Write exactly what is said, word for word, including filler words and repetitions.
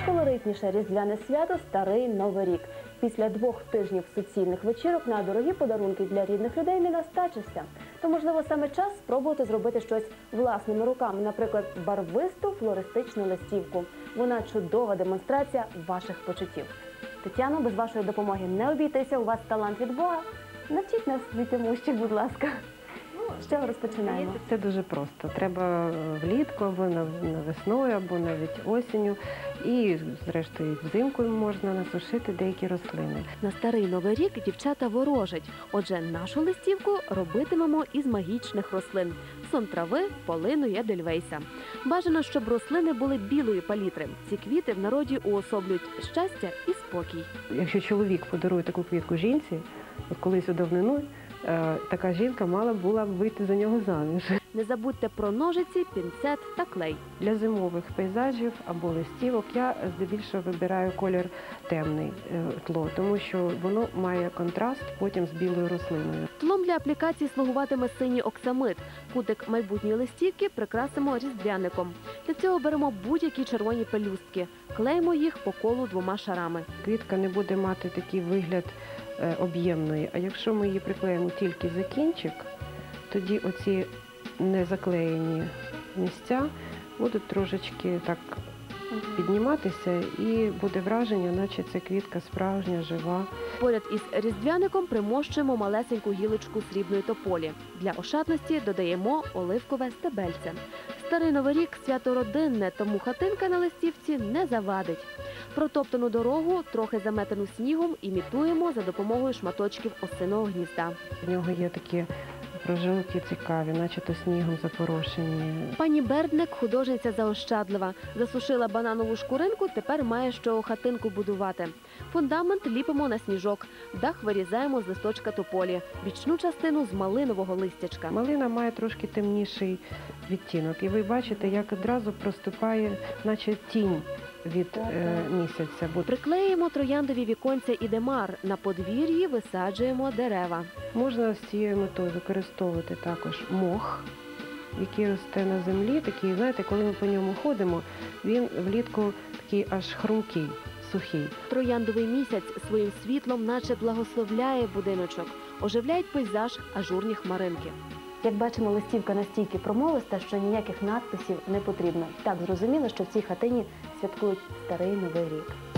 найколоритніше різдвяне свято – Старий Новий рік. Після двох тижнів суцільних вечірок на дорогі подарунки для рідних людей не настачишся. То, можливо, саме час спробувати зробити щось власними руками, наприклад, барвисту флористичну листівку. Вона чудова демонстрація ваших почуттів. Тетяно, без вашої допомоги не обійтися, у вас талант від Бога. Навчіть нас цьому ще, будь ласка. З чого розпочинаємо? Це дуже просто. Треба влітку, або на весною, або навіть осінню. І, зрештою, взимку можна насушити деякі рослини. На Старий Новий рік дівчата ворожать. Отже, нашу листівку робитимемо із магічних рослин – сон трави, полину і едельвейса. Бажано, щоб рослини були білої палітри. Ці квіти в народі уособлюють щастя і спокій. Якщо чоловік подарує таку квітку жінці, от колись у давнину, така жінка мала була б вийти за нього заміж. Не забудьте про ножиці, пінцет та клей. Для зимових пейзажів або листівок я здебільшого вибираю колір темний тло, тому що воно має контраст потім з білою рослиною. Тлом для аплікації слугуватиме синій оксамит. Кутик майбутньої листівки прикрасимо різдвяником. Для цього беремо будь-які червоні пелюстки. Клеїмо їх по колу двома шарами. Квітка не буде мати такий вигляд об'ємної, а якщо ми її приклеїмо тільки за кінчик, тоді оці незаклеєні місця будуть трошечки так підніматися і буде враження, наче ця квітка справжня, жива. Поряд із різдвяником примощуємо малесеньку гілочку срібної тополі. Для ошатності додаємо оливкове стебельце. Старий Новий рік – свято родинне, тому хатинка на листівці не завадить. Протоптану дорогу, трохи заметену снігом, імітуємо за допомогою шматочків осиного гнізда. В нього є такі прожилки цікаві, начебто снігом запорошені. Пані Бердник, художниця заощадлива. Засушила бананову шкуринку, тепер має що хатинку будувати. Фундамент ліпимо на сніжок, дах вирізаємо з листочка тополі, бічну частину з малинового листячка. Малина має трошки темніший відтінок, і ви бачите, як одразу проступає, наче тінь від е, місяця. Приклеїмо трояндові віконця і демар, на подвір'ї висаджуємо дерева. Можна з цією метою використовувати також мох, який росте на землі. Такий, знаєте, коли ми по ньому ходимо, він влітку такий аж хрумкий, сухий. Трояндовий місяць своїм світлом наче благословляє будиночок, оживляють пейзаж ажурні хмаринки. Як бачимо, листівка настільки промовиста, що ніяких надписів не потрібно. Так зрозуміло, що в цій хатині святкують Старий Новий рік.